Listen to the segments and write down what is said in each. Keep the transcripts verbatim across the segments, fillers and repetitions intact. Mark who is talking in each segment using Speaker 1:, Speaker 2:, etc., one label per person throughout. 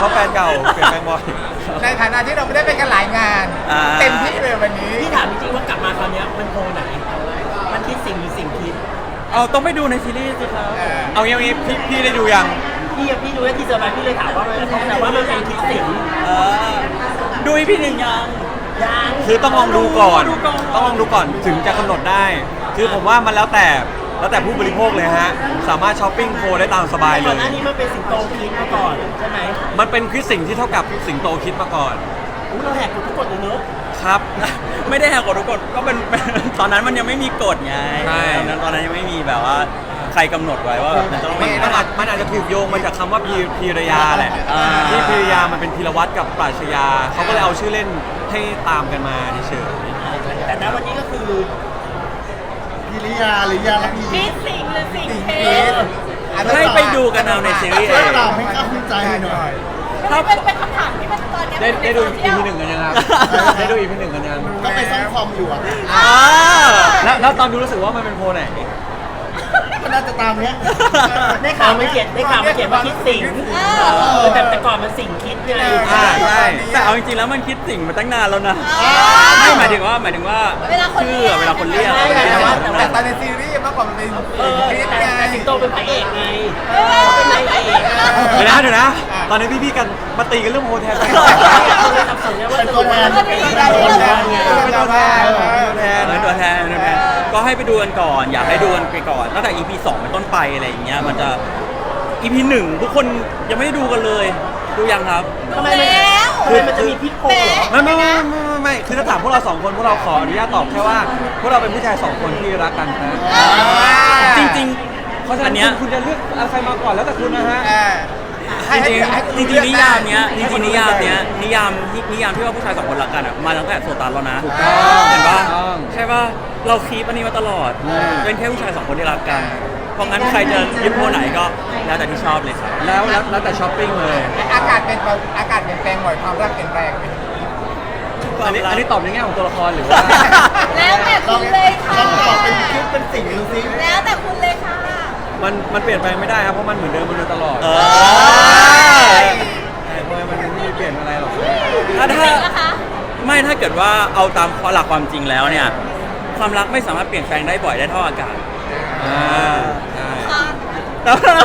Speaker 1: เพราะแฟนเก่าเปลี่ยนแฟนบ่อย
Speaker 2: ในฐานะที่เราไม่ได้ไปกันหลายงานเต็มที่เลยวันนี้
Speaker 3: พี่ถามจริงๆว่ากลับมาคราวนี้มันโพไหนมันคิดสิ่งหรือสิ่งคิด
Speaker 4: เอาต้องไปดูในซีรีส์สิครับ
Speaker 1: เอางี้เอางี้พี่พี่ได้ดูยัง
Speaker 3: พี่พี่ดูแค่ทีเซอร์ไปพี่เลยถามว่าแต่ว่ามันเป็นคิดสิ่ง
Speaker 4: ดูอีพีหนึ่งยัง
Speaker 3: ยัง
Speaker 1: คือต้องลองดูก่อนต้องลองดูก่อนถึงจะกำหนดได้คือผมว่ามันแล้วแต่แล้วแต่ผู้บริโภคเลยฮะสามารถช้อปปิ้งโคได้ตามสบายเลย
Speaker 3: ก่อนหน้านี้มันเป็นสิงโตคิดมาก่อนใช่ไหม
Speaker 1: มันเป็นคิดสิ่งที่เท่ากับสิงโตคิดมาก่อน
Speaker 3: อู้เราแหกกฎทุกกฎเลยเนอะ
Speaker 1: ครับ
Speaker 4: ไม่ได้แหกกฎทุกกฎก็เป็นตอนนั้นมันยังไม่มีกฎไงตอนนั้นตอนนั้นยังไม่มีแบบว่าใครกำหนดไว้ว่ามันจะต้อง
Speaker 1: มันอาจมันอาจจะถูกโยงมาจากคำว่าพีพีรยาแหละที่พีรยามันเป็นพีรวัตรกับปราชญาเขาก็เลยเอาชื่อเล่นให้ตามกันมาเฉย
Speaker 3: ๆแต่ณวันนี้ก็คือ
Speaker 5: พิริยาหรือยาลักษี
Speaker 6: คิดสิ่งหรือสิ่งเพศ
Speaker 4: ให้ไปดูกันเอาในซีรีส์เอง
Speaker 5: เราให้ข้าคุณใจหน่อย
Speaker 6: ถ้าเป็นเป็นคำถามที่มันตอนนี้
Speaker 1: ได้ได้ดูอีพีหนึ่งกันยังครับได้ดูอีพีหนึ่งกันยัง
Speaker 5: ก็ไปซ่อมคอมอยู่อ่ะ
Speaker 1: แล้วแล้วตอนดูรู้สึกว่ามันเป็นโพไหน
Speaker 5: ก็น่าจะตามเนี้ย
Speaker 3: ได้ข่าวไม่เขียนได้ข่าวไม่เขียนว่าคิดสิ่งแต่แต่ก่อนมันสิ่งคิดไง
Speaker 1: ใช่
Speaker 4: แต่เอาจริงๆแล้วมันคิดสิ่งมาตั้งนานแล้วนะไม่หมายถึงว่าหมายถึงว่าชื่อเวลาคนเรียก
Speaker 2: แต่ตอนในซีรีส์มากกว่ามันเป็นคิดไง
Speaker 3: แต่สิงโตเป็นพระเอกไงเป็นนายเอก
Speaker 1: เดี๋ยวนะเดี๋ยวนะตอนนี้พี่ๆกันมาตีกันเรื่องโฮเทล
Speaker 3: เป็นตัวแทน
Speaker 5: เป็นตัวแทน
Speaker 1: เป็นตัวแทน
Speaker 4: เป็นตัวแทนเป็นตัวแทนก็ให้ไปดูกันก่อนอยากให้ดูกันไปก่อนตั้งแต่ อี พี สองเป็นต้นไปอะไรอย่างเงี้ยมันจะ อี พี หนึ่งทุกคนยังไม่ได้ดูกันเลยดูยังครับ
Speaker 3: ทำไมมันคือมันจะมีพิษโผล่เหรอ
Speaker 1: ไม่ไม่ไม่ไม่ไม่คือถ้าถามพวกเราสองคนพวกเราขออนุญาตตอบแค่ว่าพวกเราเป็นผู้ชายสองคนที่รักกันนะ
Speaker 4: จริงๆเพราะฉะนั้นคุณ
Speaker 1: จะเลือกใครมาก่อนแล้วแต่คุณนะฮะ
Speaker 4: จริงจริงนิยามเนี้ยจริงนิยามเนี้ยนิยามนิยามที่ว่าผู้ชายสองคนรักกันอ่ะมาตั้งแต่โซตัสแล้วนะเห็นป่ะใช่ป่ะเราคีปอันนี้มาตลอดเป็นแค่ผู้ชายสองคนที่รักกันเพราะงั้นใครจะยึดโพไหนก็แล้วแต่ที่ชอบเลยครับ
Speaker 1: แล้วแล้วแต่ช้อปปิ้งเลย
Speaker 2: อากาศเป็นอากาศเปลี่ยนแปลงบ่อยความรักเปลี่ยนแปลง
Speaker 1: อันนี้อันนี้ตอบในแง่ของตัวละครหรือว่า
Speaker 6: แล้วแต่คุณเลยค่ะ
Speaker 5: ต้องตอบเป็นคิดเป็นสิ่งดูสิ
Speaker 6: แล้วแต่คุณเลยค่ะ
Speaker 1: มันมันเปลี่ยนแปลงไม่ได้ครับเพราะมันเหมือนเดิมมันโดยตลอดใช่เพราะมันไม่มีเปลี่ยนอะไรหรอก
Speaker 4: ถ้าถ้าไม่ถ้าเกิดว่าเอาตามหลักความจริงแล้วเนี่ยความรักไม่สามารถเปลี่ยนแปลงได้บ่อยได้เท่าอากาศ
Speaker 1: อ่าใช่
Speaker 4: แล้วเรา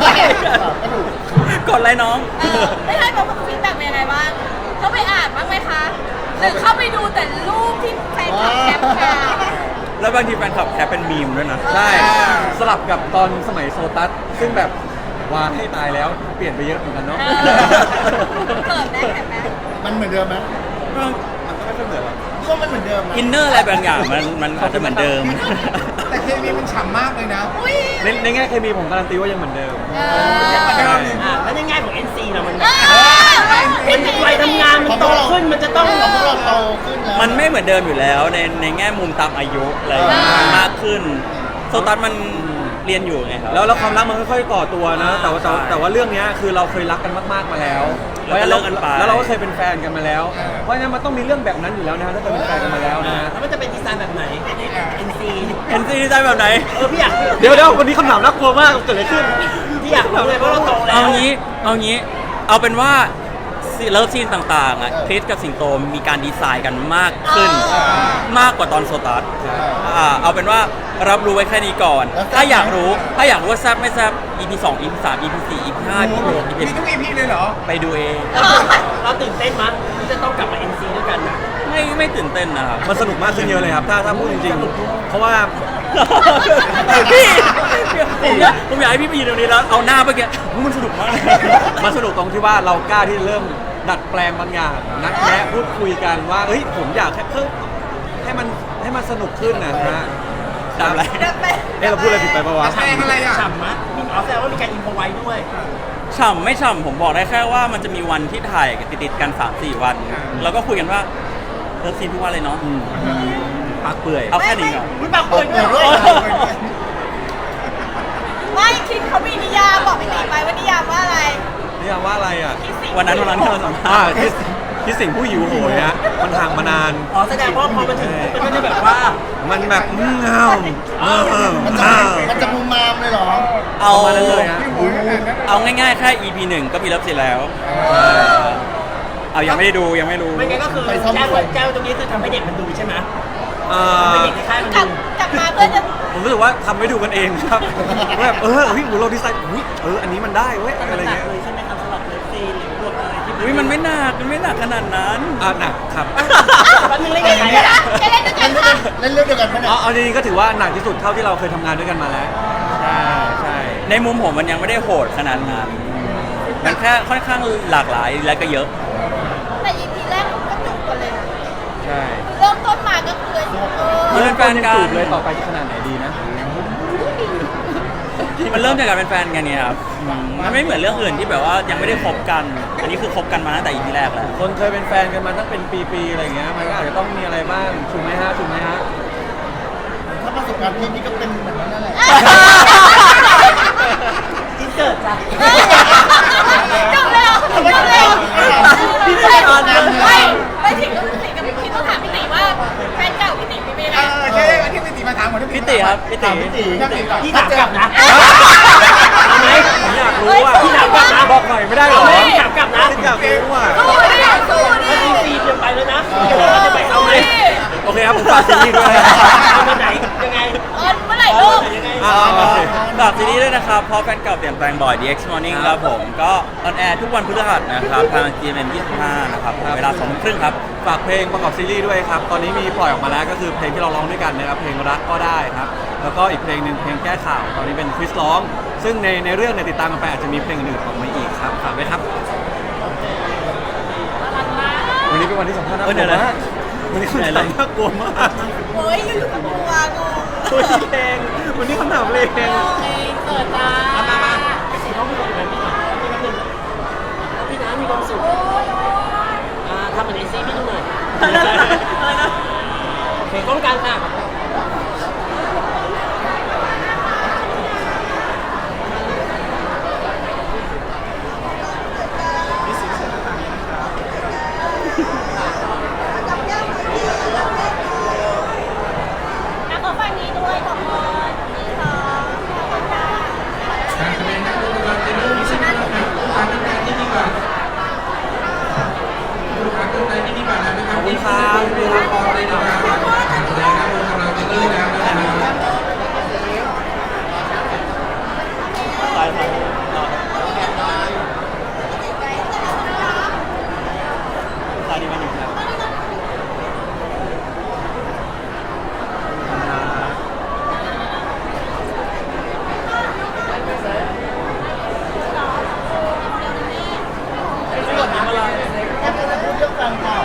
Speaker 4: กดไลน์น้อง
Speaker 6: ไม่ใช่แบบฟีดแบ็กเป็นยังไงบ้างเขาไปอ่านบ้างไหมคะหรือเข้าไปดูแต่รูปที่แฟนคลับแคปมา
Speaker 4: แล้วบางทีแฟนคลับแคปเป็นมีมด้วยนะ
Speaker 1: ใช่สลับกับตอนสมัยโซตัสซึ่งแบบวางให้ตายแล้วเปลี่ยนไปเยอะเหมือนกันเนาะ
Speaker 6: เกิดแม่เห็นไหม
Speaker 5: มันเหมือนเดิมไหม
Speaker 1: มันก็ไม่ค่อยเหมือนหรอก
Speaker 5: ก็มันเหมือนเดิม
Speaker 4: อินเนอร์อะไรบางอย่างมันมันอาจจะเหมือนเดิม
Speaker 2: แต่เคมีมันฉ่ำมากเลยนะ
Speaker 1: ในในแง่เคมีผมการันตีว่ายังเหมือนเดิม
Speaker 3: แล้วในแง่ของ เอ็น ซี ล่ะมันเป็นวัยทำงานมันโตขึ้นมันจะต้อง
Speaker 5: พวกเราโตขึ้นแล้ว
Speaker 4: มันไม่เหมือนเดิมอยู่แล้วในในแง่มุมตามอายุอะไรมากขึ้นโซตัสมันเรียนอยู่ไงครับ
Speaker 1: แล้วแล้วความรักมันค่อยๆก่อตัวนะแต่ว่าแต่ว่าเรื่องนี้คือเราเคยรักกันมากๆมาแล้ว
Speaker 4: แล้วเลิกกันไป
Speaker 1: แล้วเราก็เคยเป็นแฟนกันมาแล้วเพราะฉะนั้นมันต้องมีเรื่องแบบนั้นอยู่แล้วนะถ้าเคยเป็นแฟนกันมาแล้วนะ
Speaker 3: แล้วมันจะเป็นดีไซน์แบบไหน เอ็น ซี
Speaker 4: เอ็น ซี ดีไซน์แบบไหน
Speaker 3: เออพี่อยาก
Speaker 1: เดี๋ยวเดี๋ยววันนี้คำถามน่ากลัวมากเกิดอะไรขึ้น
Speaker 3: พี่อยากรู้เลยเพราะเราโตแล้ว
Speaker 4: เอางี้เอางี้เอาเป็นว่าเลิฟซีนต่างๆอ่ะคริสกับสิงโตมีการดีไซน์กันมากขึ้นมากกว่าตอนโซตัสอ่าเอาเป็นว่ารับรู้ไว้แค่นี้ก่อนถ้าอยากรู้ถ้าอยากรู้ว่าแซ่บไม่แซ่บ อี พี สอง อี พี สาม อี พี สี่ อี พี ห้า อี พี หก อี พี
Speaker 2: มีทุก อี พี เลยเหรอ
Speaker 4: ไปดูเอง
Speaker 3: เราตื่นเต้นมั้ยที่จะต้องกลับมา เอ็น ซี ด้วยกันนะ
Speaker 4: ไม่ไม่ตื่นเต้นนะครับ
Speaker 1: มันสนุกมากขึ้นเยอะเลยครับถ้าถ้าพูดจริงๆเพราะว่า
Speaker 4: พี่ผมอยากผมอยากให้พี่ไปยืนตรงนี้แล้วเอาหน้าเมื่อกี้มันสนุกมาก
Speaker 1: มันสนุกตรงที่ว่าเรากล้าที่เริ่มดัดแปลงบางอย่างนัดแนะพูดคุยกันว่าเฮ้ยผมอยากให้เพิ่มให้มันให้มันสนุกขึ้นนะฮะ
Speaker 4: ทำอะไร
Speaker 1: เอ๊ะเราพูดอะไรผิดไปปะวะ
Speaker 2: แปลงอะไรอ่ะ
Speaker 3: ฉ่ำมั้ยมีอ๋อแสดงว่ามีการอินโฟไว้ด้วย
Speaker 4: ฉ่ำไม่ฉ่ำผมบอกได้แค่ว่ามันจะมีวันที่ถ่ายติดๆกัน สามสี่ วันแล้วก็คุยกันว่าเลิฟซีนทุกวันเลยเนาะ
Speaker 1: ปากเปื่อย
Speaker 4: เอาแค่นี้ก่อน
Speaker 3: คุณปากเปื่อยด้วย
Speaker 6: ไม่คิดเขามีนิยามบอกไปตีไปว่านิยามว่าอะไร
Speaker 1: นิยามว่าอะไรอ่ะ
Speaker 4: วันนั้นวันนั้นที่เราสัมภาษณ์
Speaker 1: พี่สิงห์ผู้หิวโหยฮะมันห่างมานาน
Speaker 3: อ๋อแสดงว่าพอมันถึงมันก็จะแบบว่า
Speaker 1: มันแบบอืมเงาเออ
Speaker 5: มันจะ
Speaker 1: เงา
Speaker 5: มันจะมุมมามเลยเหรอ
Speaker 4: เอา
Speaker 1: ประมาณนั้นเลยฮะ
Speaker 4: เอาง่ายๆแค่ อี พี หนึ่งก็มีเลิฟซีนแล้วเอายังไม่ได้ดูยังไม่รู้
Speaker 3: ไม่งั้นก็คือ
Speaker 5: ไปซ่อม
Speaker 3: แจ้งไว้แจ้งไว้ตรงนี้คือทำให้เด็กมันดูใช่ไหม
Speaker 1: เอ่
Speaker 3: ทำให้
Speaker 1: อ
Speaker 3: เด็กในค่ายมัน
Speaker 6: กลับ
Speaker 3: ดู
Speaker 6: กลับมาเพื่อจะ
Speaker 1: ผมรู้สึกว่าทำให้ดูกันเองครับว่าแบบเออเฮ้ยเราดีไซน์อุ้ยเอออันนี้มันได้เว้ยอะไร
Speaker 3: หนัก
Speaker 1: เงี้ย
Speaker 3: เลยใช่ไหมครับสำหรับเลิฟซีนหรือบทอะไรที่
Speaker 4: อุ้ยมันไม่หนักมันไม่หนักขนาดนั้น
Speaker 1: อ่ะหนักครับ
Speaker 3: แป๊บนึงเล่น
Speaker 6: เล่
Speaker 3: กับ
Speaker 6: น
Speaker 3: ใคร
Speaker 6: ด้วย
Speaker 3: อะ
Speaker 6: นะจะเล่นด้วยกันค่ะ
Speaker 5: เล่นเรื่องเดียวกันปะเนี่ย
Speaker 1: เอาเอาจริงๆก็ถือว่าหนักที่สุดเท่าที่เราเคยทำงานด้วยกันมาแล้วใช่ใช่
Speaker 4: ในมุมผมมันยังไม่ได้โหดขนาดนั้น มันแค่ค่อนข้างหลากหลายและก็เยอะ
Speaker 6: แต่ อี พี แรกก็จุกกันเลยนะ
Speaker 1: ใช่
Speaker 6: เริ่มต้นมาก็คือเออ
Speaker 4: เริ่ม แฟนกัน
Speaker 1: จูบเลยต่อไปจะขนาดไหนดีนะ
Speaker 4: มันเริ่มจากการเป็นแฟนกันเนี่ยครับอืมมันไม่เหมือนเรื่องอื่นที่แบบว่ายังไม่ได้คบกัน อันนี้คือคบกันมาตั้งแต่ อี พี แรกแล้ว
Speaker 1: คนเคยเป็นแฟนกันมาตั้งเป็นปีๆอะไรอย่างเงี้ยมันก็อาจจะต้องมีอะไรบ้างถูกไหมฮะถูกไหมฮะ
Speaker 5: ถ้าประสบการณ์พี่นี่ก็เป็นเหมือนนั้นนั่นแหละ
Speaker 3: อินเสิร์ตจ้ะ
Speaker 6: จบแล้วจบแล้ว
Speaker 3: พี่ไม่ได้ตอนนั้น
Speaker 6: ไม่ไม่ถึงต้องติกับพี่ต้องถามพี่ติว่าแฟนเก่าพี่ติเป็นยังไง
Speaker 2: เออใช่วันที่พี่ตีมาถามหมดที่
Speaker 4: พี่ติครับพี่ติ
Speaker 5: ถามพี่ตี
Speaker 2: พี่ตีก่อน
Speaker 3: พี่ถามกลับนะ
Speaker 1: เอาไหมผมอยากรู้อ่ะ
Speaker 3: พี่ถามกลับนะ
Speaker 1: บอกหน่อยไม่ได้เหรอ
Speaker 3: พี่ถามกลับนะ
Speaker 1: พี่อยากรู้อ่ะ
Speaker 6: สู้ดิสู้ดิ
Speaker 3: ถ้าซีซีเดียวไปแล้วนะเดี๋ยวเราจะไปเอาไหม
Speaker 1: โอเคครับผมฝากซีรีส์ด้วย
Speaker 3: เอามาไหนยังไง
Speaker 6: เออเมื่อไหร่ลูก
Speaker 3: ยังไง
Speaker 1: อ่าโอเค
Speaker 4: ฝากซีรีส์ด้วยนะครับเพราะแฟนเก่าเปลี่ยนแปลงบ่อย ดี เอ็กซ์ Morning ครับผม ก็ออนแอร์ทุกวันพฤหัสนะครับ ทาง จี เอ็ม เอ็ม ยี่สิบห้า นะครับผมเวลาสองทุ่มครึ่งครับ
Speaker 1: ฝากเพลงประกอบซีรีส์ด้วยครับ ตอนนี้มีปล่อยออกมาแล้วก็คือเพลงที่เราร้องด้วยกันนะครับ เพลงรักก็ได้ครับ แล้วก็อีกเพลงหนึ่งเพลงแก้ข่าว ตอนนี้เป็นคริสร้อง ซึ่งในในเรื่องเนี่ยติดตามกันไปอาจจะมีเพลงอื่นๆออกมาอีกครับ ฝากไว้ครับ วันนี้เป็นวันที่สำคัญน่าก
Speaker 4: เออเดี๋
Speaker 1: ลั
Speaker 4: ยว วนะ
Speaker 1: มากวันนี้คำถามน่ากลัวมาก
Speaker 6: โอ้ยอยู่กับตัวงง
Speaker 1: ตัวเพลงวันนี้คำถามเพลง
Speaker 6: เองเกิดมา
Speaker 3: มามามาพี่สีต้องพูดกับพี่หน่อยพี่น้ำหนึ่งพี่น้ำมีความสุข
Speaker 6: โอ้ย
Speaker 3: อ่าทำเหมือนไอซี่พี่ดูหน่อยอะไรนะโอเคกล้องกลางค่ะ
Speaker 6: นักขอฟังนี้ด้วยขอบคุณนี่ค่ะขอบคุณค่ะ
Speaker 1: ขอบคุณครับพี่ครับ
Speaker 4: ไปไปตอนนี้มาหนึ่งครับ
Speaker 5: แล้วก็จะพูดเรื่องแฟนเก่า